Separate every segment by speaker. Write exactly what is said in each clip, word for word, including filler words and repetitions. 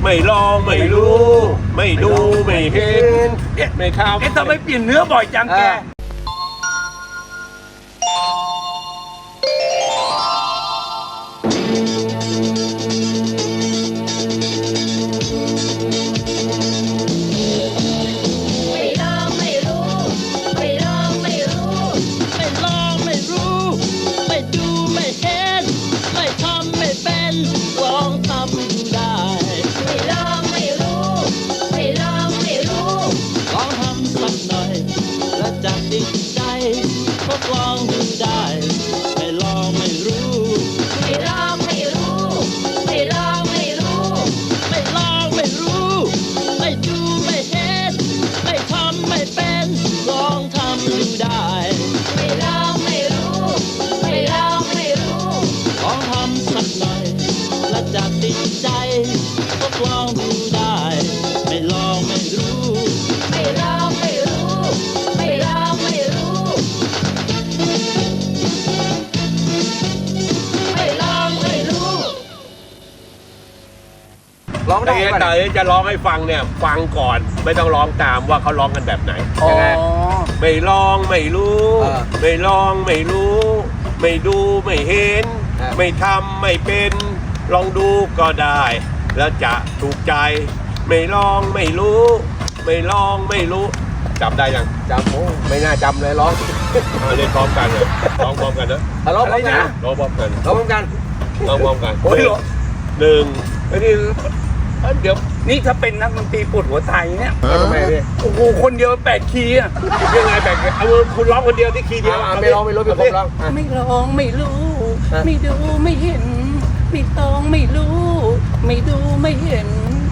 Speaker 1: ไม่ลองไม่รู้ไม่ดูไม่เห็นไม่ทำ
Speaker 2: เอ๊ะทำไมเปลี่ยนเนื้อบ่อยจังแก
Speaker 3: ลองดูได้ไม่ลองไม่รู้ไม่ลองไม่รู้ไม่ลองไม่รู้ไม่ลองไม่รู้ไม่ดูไม่เห็นไม่ทำไม่เป็นลองทำดูได้ไม่ลองไม่รู้ไม่ลองไม่รู้ลองทำสักหน่อยและจะติดใจทดลองดูได้ไม่ลองไม่รู้ไม่ลองไม่รู้ไม่ลองไม่รู้
Speaker 1: ร้องได้แต่จะร้องให้ฟังเนี่ยฟังก่อนไม่ต้องร้องตามว่าเขาร้องกันแบบไหนไม่ลองไม่รู้ไม่ลองไม่รู้ไม่ดูไม่เห็นไม่ทำไม่เป็นลองดูก็ได้แล้วจะถูกใจไม่ลองไม่รู้ไม่ลองไม่รู้จำได้ยัง
Speaker 4: จำโอ้ไม่น่าจำเลยร้อง
Speaker 1: เล่นพร้อมกันเลยร้องพร้อมกันนะ
Speaker 4: ร้องพร้อมกัน
Speaker 1: ร้องพร้อมกัน
Speaker 4: ร้องพร้อมกัน
Speaker 1: ร้องพร้อมกัน
Speaker 4: โอ้ย
Speaker 1: หนึ่งไอ้นี่เดี๋ยว
Speaker 2: นี่ถ้าเป็นนักดนตรีปวดหัวไทยเนี่ย
Speaker 4: ทำไมพี่
Speaker 2: โอ้โหคนเดียวแปดคีย์อ่ะ
Speaker 1: ยังไงแปดเอาคุณร้องคนเดียวที่คีย์เดียว
Speaker 4: ไม่ร้องไม่รู้พี่ผมร้อง
Speaker 3: ไม่ลองไม่รู้ไม่ดูไม่เห็นไม่ต้องไม่รู้ไม่ดูไม่เห็น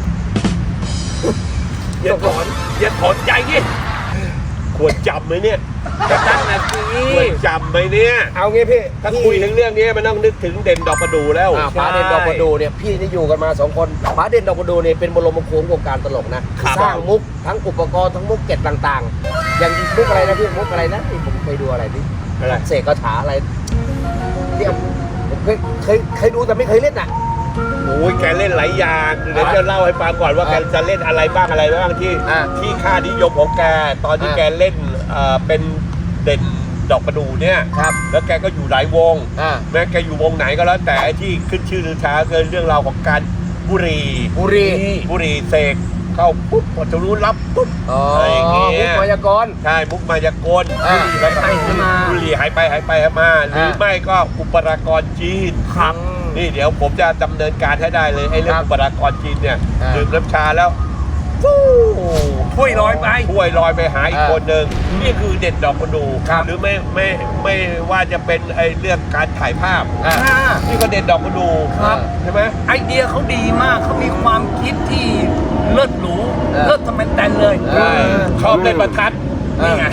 Speaker 1: อย่าถอนอย่าถอนใจดิควรจำไหมเนี่ย
Speaker 2: จะตั้งนาที
Speaker 1: ควรจำไหมเนี่ย
Speaker 4: เอางี้พี่
Speaker 1: ถ้าคุยถึงเรื่องนี้มันต้องนึกถึงเด่นดอกประดู่แล้ว
Speaker 4: ป๋าเด่นดอกประดู่เนี่ยพี่นี่อยู่กันมาสองคนป๋าเด่นดอกประดู่เนี่ยเป็นบรมครูของวงการตลกนะสร้างมุกทั้งอุปกรณ์ทั้งมุกเก็ตต่างๆอย่างมุกอะไรนะพี่มุกอะไรนะที่ผมไปดูอะไรนี่เสกคาถาอะไรที่ผมเคยเคยเคยดูแต่ไม่เคยเล่นอ่ะ
Speaker 1: โอ้ยแกเล่นหลายอย่างเดี๋ยวจะเล่าให้ฟังก่อนว่าแกจะเล่นอะไรบ้างอะไรบ้างที่ที่ค่านิยมของแกตอนที่แกเล่นเป็นเด่นดอกประดู่เนี่ยแล้วแกก็อยู่หลายวงแม้แกอยู่วงไหนก็แล้วแต่ที่ขึ้นชื่อลือช้าคือเรื่องราวของการบุรี
Speaker 4: บุรี
Speaker 1: บุรีเสกเข้าปุ๊บพอจะรู้รับปุ๊บอะไรอย่างเงี้ย
Speaker 4: มุกมายากล
Speaker 1: ใช่มุกมายากลบุรีหายไปหายมาบุรีหายไปหายไปหายมาหรือไม่ก็อุปกรณ์จีนครับนี่เดี๋ยวผมจะดำเนินการให้ได้เลยไอ้เรื่องอุปกรณ์จีนเนี่ยดื่มน้ำชาแล้ว
Speaker 2: ถ้วยลอยไป
Speaker 1: ถ้วยลอยไปหาอีกคนหนึ่งนี่คือเด่นดอกประดู่หรือไม่ไม่ไม่ว่าจะเป็นไอ้เรื่องการถ่ายภาพนี่ก็เด่นดอกประดู่ใช่ไหม
Speaker 2: ไอเดียเขาดีมากเขามีความคิดที่เลิศหรูเลิศทำไมแต่เลย
Speaker 1: ชอบเล่นประทัด
Speaker 2: นี่ไง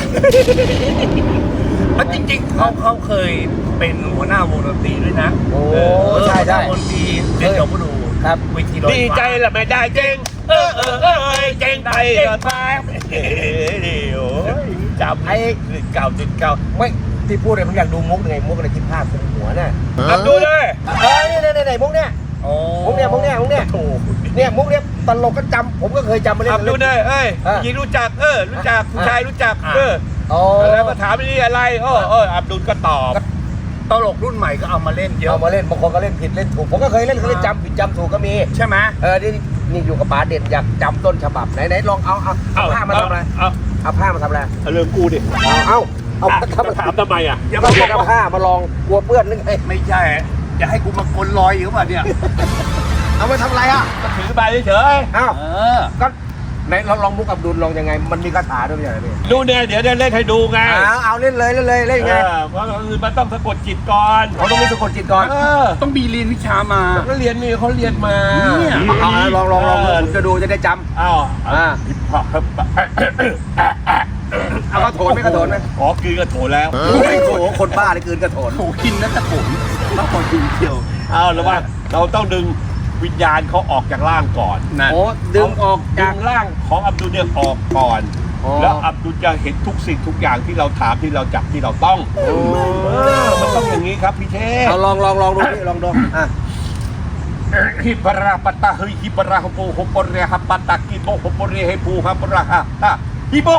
Speaker 2: แล้วจริงๆเขาเขาเคยเป็นหัวหน้าวงดนตรีด้วยนะ
Speaker 4: โอ้ใช่ใช่
Speaker 2: วงดนตรีเด่นดอกประดู่
Speaker 4: ครับ
Speaker 2: เวทีลอย
Speaker 1: ดีใจละไม่ได้เจ๊งเออเออเออเจ๊งไปก็ไปเดี๋ยวจับให้เก่าติดเก่า
Speaker 4: ไม่ที่พูดเลยผมอยากดูมุกไงมุกอะไรที่ภาพของหัวน่ะ
Speaker 1: ทำดูเลย
Speaker 4: เออนี่นี่นี่มุกเนี่ยมุกเนี่ยมุกเนี่ยมุกเนี่ยเนี่ยมุกเนี่ยตลกก็จำผมก็เคยจำมาเล่น
Speaker 1: ทำดูเลยเอ้ยยิงรู้จักเออรู้จักผู้ชายรู้จักเออแล้วมาถามนี่อะไรเออเอออับดุลก็ตอบ
Speaker 2: ตลกรุ่นใหม่ก็เอามาเล่นเยอะ
Speaker 4: เอามาเล่นบางคนก็เล่นผิดเล่นถูกผมก็เคยเล่นเคยจำผิดจำถูกก็มี
Speaker 2: ใช่ไหม
Speaker 4: เออนี่นี่อยู่กับป๋าเด็ดอยากจำต้นฉบับไหนไหนลองเอาเอาเอาผ้ามาทำอะไรเอาเอาผ้ามาทำอะไร
Speaker 1: เอาเรื่องกูดิ
Speaker 4: เอาเอา
Speaker 1: เอาถามทำไมอ่ะ
Speaker 4: อย่ามาบอกเอาผ้ามาลองกลัวเปื้อนนึกไง
Speaker 2: ไม่ใช่จะให้กูมากลลอยอยู่ป่ะเนี่ย
Speaker 4: เอามาทำอะไรอ่ะ
Speaker 1: ถือใบเฉย
Speaker 4: อ้าวก็ไหนลองลองมุกอับดุลลองยังไงมันมีคาถาด้วยไม่ใช่ไหม
Speaker 1: ดูเนี่ยเดี๋ยวเล่นให้ดูไง
Speaker 4: เอาเอาเล่นเลยเล่นเลยเล่นไง
Speaker 1: เพราะคือมันต้องสะกดจิตก่อน
Speaker 4: เขาต้องมีสะกดจิตก่อน
Speaker 2: ต้องมีเรียนวิชามา
Speaker 1: ก็เรียนนี่เขาเรียนมา
Speaker 4: เนี่ยเอาลองลองลองผมจะดูจะได้จำ
Speaker 1: อ้าวอ่า
Speaker 4: เอากระโถนไหมกระโถนไหม
Speaker 1: อ๋อคืนกระโถนแล้ว
Speaker 4: โอ้โหคนบ้าเลยคืนกระโถน
Speaker 2: โอ้กินนั่นกระโถนต้องคอยดึงเที่ยว
Speaker 1: เอาแล้วว่าเราต้องดึงวิญญาณเขาออกจากร่างก่อน
Speaker 4: นะโอ้ดึงออก
Speaker 1: จากร่างของอับดุลเนี่ยออกก่อนแล้วอับดุลจะเห็นทุกสิ่งทุกอย่างที่เราถามที่เราจับที่เราต้องมันต้องอย่างนี้ครับพี่เทพ
Speaker 4: เอาลองลองลองดูนี่ลองดูอ่ะ
Speaker 1: ฮิปราปตาเฮฮิปราฮโปฮโปเรฮปตากิโบฮโปเรเฮปูฮปราฮะฮิโบ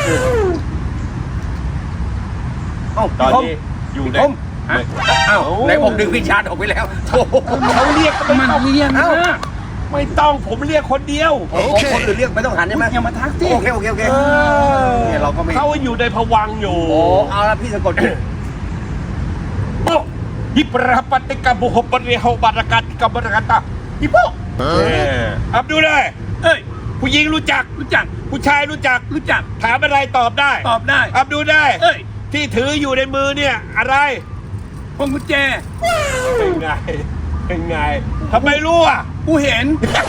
Speaker 4: เอ้า
Speaker 1: ตอน
Speaker 4: พี่คม
Speaker 1: นี้อยู่ใน
Speaker 4: ผม เอ้าไหนผมดึงวิญญาณออกไปแล้วโถ่
Speaker 1: เขาเรียกก็ไม่
Speaker 2: มัน
Speaker 1: ต้อง
Speaker 2: เรียนนะ
Speaker 1: ไม่ต้องผมเรียกคนเดียว
Speaker 4: โอเคคนอื่นเรียกไม่ต้องหันใช่ไหม
Speaker 2: อย่ามาทักสิ
Speaker 4: โอเคโอเคโอเค
Speaker 1: เออ
Speaker 4: เนี่ยเราก็ไม่
Speaker 1: เขาอยู่ในภวังค์อยู่
Speaker 4: โอ้เอาละพี่สะกดจิต
Speaker 1: โบฮิปราปติกาบุฮปเรฮบารากาติกาบารากาตาฮิปโปอับดูเลย
Speaker 2: เอ้ย
Speaker 1: ผู้หญิงรู้จัก
Speaker 2: รู้จัก
Speaker 1: ผู้ชายรู้จัก
Speaker 2: รู้จัก
Speaker 1: ถามอะไรตอบได้
Speaker 2: ตอบได้
Speaker 1: อับดูได้
Speaker 2: เอ้ย
Speaker 1: ที่ถืออยู่ในมือเนี่ยอะไร
Speaker 2: พวงกุญแจ
Speaker 1: เป็นไง เป็นไงทำไมรู้อ่ะ
Speaker 2: กูเห็น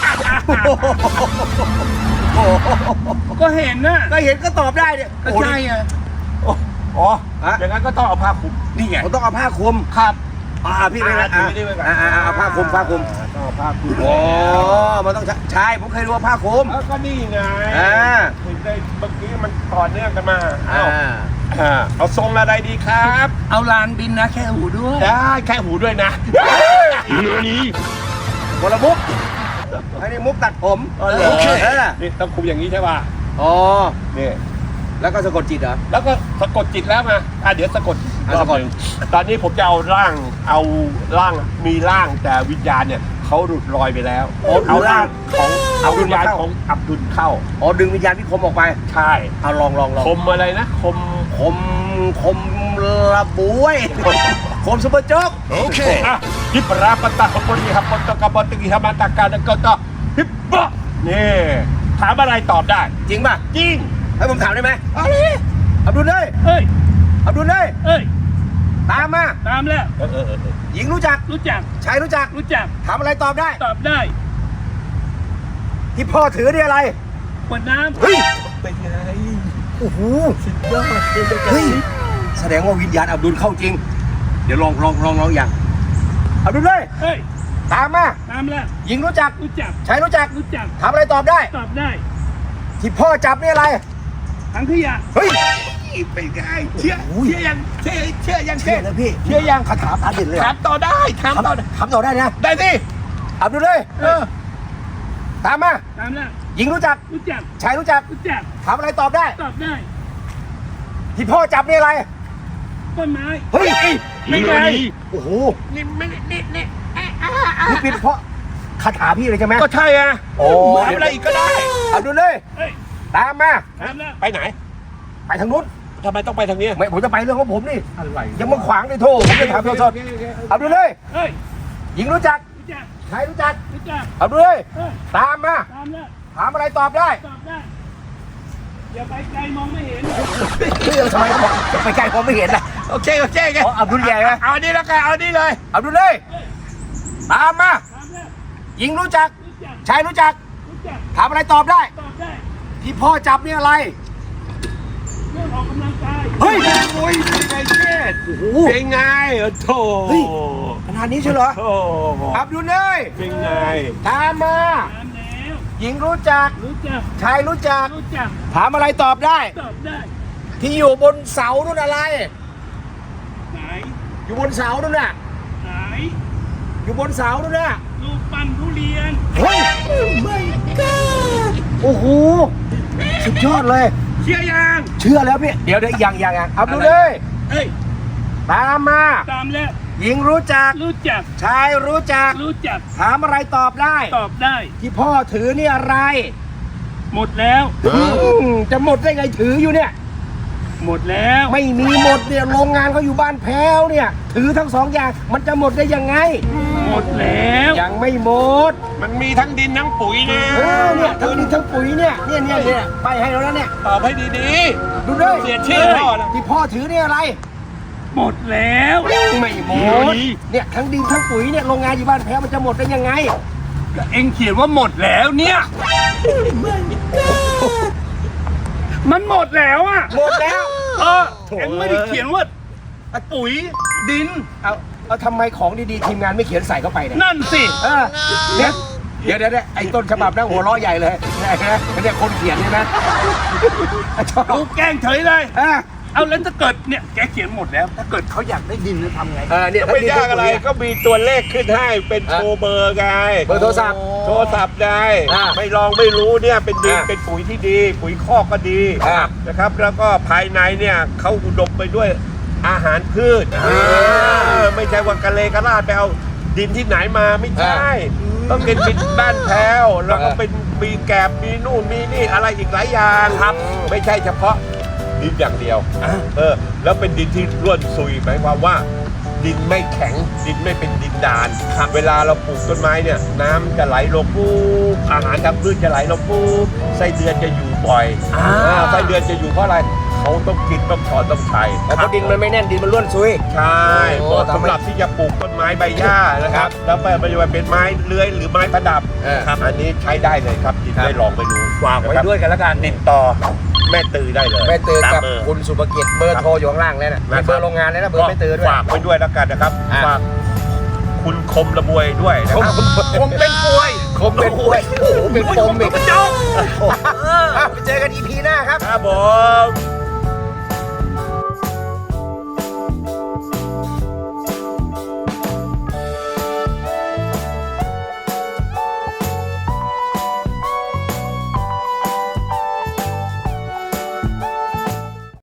Speaker 2: ก็เห็นนะ
Speaker 4: ก็เห็นก็ตอบได้เนี่ย
Speaker 2: ก็ใช่ไง
Speaker 1: อ๋อ
Speaker 4: ฮะ
Speaker 1: อย่างนั้นก็ต้องเอาผ้าคลุม
Speaker 2: นี่ไง
Speaker 4: ผมต้องเอาผ้าคลุม
Speaker 1: ครับ
Speaker 4: อ่าพี่ไม่
Speaker 1: อ่า
Speaker 4: อ่า
Speaker 1: ถือนี่ไว้ก่อน
Speaker 4: อ่าอ่าเอาผ้าคลุมผ้าคลุม
Speaker 1: ต้องเอาผ้าคลุม
Speaker 4: โอ้มันต้องใช้ใช่ผมเคยรู้ว่าผ้าคลุม
Speaker 1: แล้วก็นี่ไง
Speaker 4: อ่า
Speaker 1: ถึงได้เมื่อกี้มันต่อเนื่องกันมา
Speaker 4: อ่า
Speaker 1: เอาอ่าเอาทรงอะไรดีครับ
Speaker 2: เอาลานบินนะแค่หูด้วย
Speaker 1: ได้แค่หูด้วยนะนี่
Speaker 4: คนละมุกอันนี้มุกตัดผม
Speaker 1: โอเค
Speaker 4: เออ
Speaker 1: นี่ต้องคุมอย่างนี้ใช่ป่ะ
Speaker 4: อ๋อ
Speaker 1: นี่
Speaker 4: แล้วก็สะกดจิตเหรอ
Speaker 1: แล้วก็สะกดจิตแล้วมาอ่ะเดี๋ยวสะกด
Speaker 4: อ่ะสะกด
Speaker 1: รอบหนึ่งตอนนี้ผมจะเอาร่าง เอาร่าง มีร่างแต่วิญญาณเนี่ยเขาหลุดลอยไปแล้ว เอาร่างของเอาวิญญาณของอับดุลเข้า
Speaker 4: อ๋อดึงวิญญาณพี่คมออกไป
Speaker 1: ใช่
Speaker 4: เอาลองลองลอง
Speaker 1: คมอะไรนะ คม
Speaker 4: คมคมระบวยคมซุปเปอร์โจ๊ก
Speaker 1: โอเคอ่ะฮิปราปตาฮปนิฮัปตกะปติกิฮมาตากาดกตฮิปบะนี่ถามอะไรตอบได้
Speaker 4: จริงป่ะ
Speaker 1: จริง
Speaker 4: ให้ผมถามได้ไหม
Speaker 1: เอะไร
Speaker 4: อับดุลเลย
Speaker 2: เอ้ย
Speaker 4: อับดุลเลย
Speaker 2: เอ้ย
Speaker 4: ตามมา
Speaker 2: ตามแล้ว
Speaker 1: เออเออเออ
Speaker 4: หญิงรู้จัก
Speaker 2: รู้จัก
Speaker 4: ชายรู้จัก
Speaker 2: รู้จัก
Speaker 4: ถามอะไรตอบได้
Speaker 2: ตอบได้
Speaker 4: ที่พ่อถือนี่อะไร
Speaker 2: ขวดน้
Speaker 4: เฮ้ย
Speaker 1: เป็นไง
Speaker 4: โอ้โห
Speaker 1: สุดยอดเป็นจัง
Speaker 4: เฮ้ยแสดงว่าวิญญาณอับดุลเข้าจริง เดี๋ยวลองลองลองลองอย่างอับดุลเลย
Speaker 2: ำเอ้ย
Speaker 4: ตามมา
Speaker 2: ตามแล้ว
Speaker 4: หญิงรู้จัก
Speaker 2: รู้จัก
Speaker 4: ชายรู้จัก
Speaker 2: รู้จัก
Speaker 4: ถามอะไรตอบได้
Speaker 2: ตอบได้
Speaker 4: ที่พ่อจับนี่อะไร
Speaker 2: ถังขยะ
Speaker 4: เฮ้ย
Speaker 1: เป็นไงเชื่อเชื่อยังเชื่อเชื่อยัง
Speaker 4: เชื่อนะพี่
Speaker 1: เชื่อยัง
Speaker 4: คาถาพาดินเลยเหร
Speaker 1: ถา
Speaker 4: อ
Speaker 1: มต่อได้ถามต่อได้
Speaker 4: ถามต่อได้นะ
Speaker 1: ได้สิ
Speaker 4: อับดุลเลย
Speaker 1: เออ
Speaker 4: ตามมา
Speaker 2: ตามแล้ว
Speaker 4: หญิงรู้จัก
Speaker 2: รู้จัก
Speaker 4: ชายรู้จัก
Speaker 2: รู้จัก
Speaker 4: ถามอะไรตอบได้
Speaker 2: ตอบได้
Speaker 4: ที่พ่อจับนี่อะไร
Speaker 2: ต้นไม้
Speaker 4: เฮ้ย
Speaker 1: ไม่ไง
Speaker 4: โอ้โห
Speaker 1: นี่ไม่นี่นี่
Speaker 4: นี่เป็นเพราะคาถาพี่เลยใช่ไหม
Speaker 1: ก็ใช่อ่ะ
Speaker 4: โอ้
Speaker 1: ถามอะไรอีกก็ได้
Speaker 4: อับดุลเลย
Speaker 2: เอ้ย
Speaker 4: ตามมา
Speaker 2: ตามแล้ว
Speaker 1: ไปไหน
Speaker 4: ไปทางนู้น
Speaker 1: ทำไมต้องไปทางนี้
Speaker 4: ไม่ผมจะไปเรื่องของผมนี่
Speaker 1: อะไร
Speaker 4: ยังมาขวางในโทษผมจะถามสดๆอับดุลเลย
Speaker 2: เอ้ย
Speaker 4: หญิงรู้จัก
Speaker 2: รู้จัก
Speaker 4: ชายรู้จัก
Speaker 2: รู้จัก
Speaker 4: อับดุลเลย
Speaker 2: เอ้ย
Speaker 4: ตามมา
Speaker 2: ตามแล้ว
Speaker 4: ถามอะไรตอบได้
Speaker 2: ตอบได้ อย่าไปไกลมองไม่เห็น
Speaker 4: เรื่องทำไมเขาบอกจะไปไกลผมไม่เห็นนะ
Speaker 1: โอเคโอเคโอเค
Speaker 4: อ๋ออับดุลใหญ่ไหม
Speaker 1: เอาอันนี้แล้วกันเอาอันนี้เลย
Speaker 4: อับดุลเลย ตามมา
Speaker 2: ตามแล้ว
Speaker 4: หญิงรู้จัก
Speaker 2: รู้จัก
Speaker 4: ชายรู้จัก
Speaker 2: รู้จัก
Speaker 4: ถามอะไรตอบได้
Speaker 2: ตอบได้
Speaker 4: ที่พ่อจับนี่อะไร
Speaker 2: เรื่องออกกำลังกาย
Speaker 4: เฮ้ย
Speaker 1: โอ้ยเป็นไงเช็ด
Speaker 4: โอ้โห
Speaker 1: เป็นไงโอ้โถ
Speaker 4: เฮ้ย ขนาดนี้ใช่เหรอ
Speaker 1: โอ้
Speaker 4: อับดุลเลย
Speaker 1: เป็นไง
Speaker 4: ตามมา
Speaker 2: ตามแล้ว
Speaker 4: หญิงรู้จัก
Speaker 2: รู้จัก
Speaker 4: ชายรู้จัก
Speaker 2: รู้จัก
Speaker 4: ถามอะไรตอบได้
Speaker 2: ตอบได้
Speaker 4: ที่อยู่บนเสานู่นอะไร
Speaker 2: ไหน
Speaker 4: อยู่บนเสานู่นน่ะ
Speaker 2: ไหน
Speaker 4: อยู่บนเสานู่นน่ะ
Speaker 2: รูปปั้นทุเรียน
Speaker 4: เฮ้ยโอ้โห สุดยอดเลย
Speaker 1: เชื่อยัง
Speaker 4: เชื่อแล้วพี่ เดี๋ยวเดี๋ยวยังยังยังอับดุลเลย
Speaker 2: เอ้ย
Speaker 4: ตามมา
Speaker 2: ตามแล้ว
Speaker 4: หญิงรู้จัก
Speaker 2: รู้จัก
Speaker 4: ชายรู้จัก
Speaker 2: รู้จัก
Speaker 4: ถามอะไรตอบได้
Speaker 2: ตอบได้
Speaker 4: ที่พ่อถือนี่อะไร
Speaker 2: หมดแล้ว
Speaker 4: อืมจะหมดได้ไงถืออยู่เนี่ย
Speaker 2: หมดแล้ว
Speaker 4: ไม่มีหมดเนี่ยโรงงานเขาอยู่บ้านแพ้วเนี่ย ถือทั้งสองอย่างมันจะหมดได้ยังไง
Speaker 2: หมดแล้ว
Speaker 4: ยังไม่หมด
Speaker 1: มันมีทั้งดินทั้งปุ๋ยนะ
Speaker 4: เออเนี่ยทั้งดินทั้งปุ๋ยเนี่ยเนี่ยเนี่ยเนี่ยไปให้แล้วนะเนี่ย
Speaker 1: ตอบให้ดี
Speaker 4: ดูด้วย
Speaker 1: ๆ เสียชื่อพ่อนะ
Speaker 4: ที่พ่อถือเนี่ยอะไร
Speaker 2: หมดแล้ว
Speaker 4: ไม่หมดเนี่ยทั้งดินทั้งปุ๋ยเนี่ยโรงงานอยู่บ้านแพ้วมันจะหมดได้ยังไง
Speaker 2: ก็เอ็งเขียนว่าหมดแล้วเนี่ย มันหมดแล้วอ่ะ
Speaker 4: หมดแล้ว
Speaker 2: เออเอ็งไม่ได้เขียนว่าปุ๋ยดิน
Speaker 4: เอาเอาทำไมของดีๆทีมงานไม่เขียนใส่เข้าไปเนี่ย
Speaker 2: นั่นสิ
Speaker 4: เออเนี่ยเดี๋ยวเดี๋ยวเดี๋ยวไอ้ต้นฉบับนั่งหัวเราะใหญ่เลยเนี่ยนะเนี่ยคนเขียนเนี่ยนะชอบ
Speaker 2: กูแกล้งเฉยเลย
Speaker 4: อ่ะ
Speaker 2: เอาแล้วถ้าเกิดเนี่ยแกเขียนหมดแล้ว ถ้าเกิดเขาอยากได้ดินจะทำไง
Speaker 4: เออเนี่ย
Speaker 1: ไม่ยากอะไรก็มีตัวเลขขึ้นให้เป็นโทรเบอร์ไง
Speaker 4: เบอร์โทรศัพท์
Speaker 1: โทรศัพท์ไง
Speaker 4: อ่า
Speaker 1: ไม่ลองไม่รู้เนี่ยเป็นดิน
Speaker 4: อ่า
Speaker 1: เป็นปุ๋ยที่ดี ปุ๋ยคอกก็ดี
Speaker 4: อ่า
Speaker 1: นะครับ แล้วก็ภายในเนี่ยเขาอุดมไปด้วยอาหารพืช
Speaker 4: อ่า
Speaker 1: เออไม่ใช่ว่ากะเลกะลาดไปเอาดินที่ไหนมาไม่ใช่ ต้องเป็นดินบ้านแพ้วแล้วก็เป็นมีแกบมีนู่นมีนี่อะไรอีกหลายอย่างครับ ไม่ใช่เฉพาะดินอย่างเดียว เออแล้วเป็นดินที่ร่วนซุยหมายความว่า ดินไม่แข็งดินไม่เป็นดินดานครับเวลาเราปลูกต้นไม้เนี่ยน้ำจะไหลลงปุ๊บอาหารทางพืชจะไหลลงปุ๊บไส้เดือนจะอยู่บ่อย
Speaker 2: อ่า
Speaker 1: อ่าไส้เดือนจะอยู่เพราะอะไรเขาต้องกินต้องถอนต้องใช้
Speaker 4: เพราะดินมันไม่แน่นดินมันร่วนซุย
Speaker 1: ใช่
Speaker 4: โอ้
Speaker 1: เหมาะ
Speaker 4: ทำให้
Speaker 1: สำหรับที่จะปลูกต้นไม้ใบหญ้านะครับแล้วไปมันจะเป็นไม้เลื้อยหรือไม้ประดับ
Speaker 4: เออ
Speaker 1: ครับอันนี้ใช้ได้เลยครับดินได้ลองไปดู
Speaker 2: ฝากไว้ด้วยกันแล้วกัน
Speaker 1: ติดต่อแม่ตือได้เลย
Speaker 4: แม่ตือ
Speaker 1: ตาม
Speaker 4: กับ
Speaker 1: เบอร์
Speaker 4: คุณสุภกิจเบอร์โทรอยู่ข้างล่างแล้วนะมีเบอร์โรงงานแล้วนะเบอร์แม่ตือด้วย
Speaker 1: ฝากไว้ด้วยแล้วกันนะครับ
Speaker 4: อ่า
Speaker 1: ฝากคุณคมระบวยด้วยนะครับ
Speaker 2: ผมเป็นป่วย
Speaker 4: คมเป็นป่วยโอ้โหเป็นปมอีก
Speaker 2: โอ้โห
Speaker 4: อ่ะไปเจอกันอีพีหน้าครับ
Speaker 1: ครับผม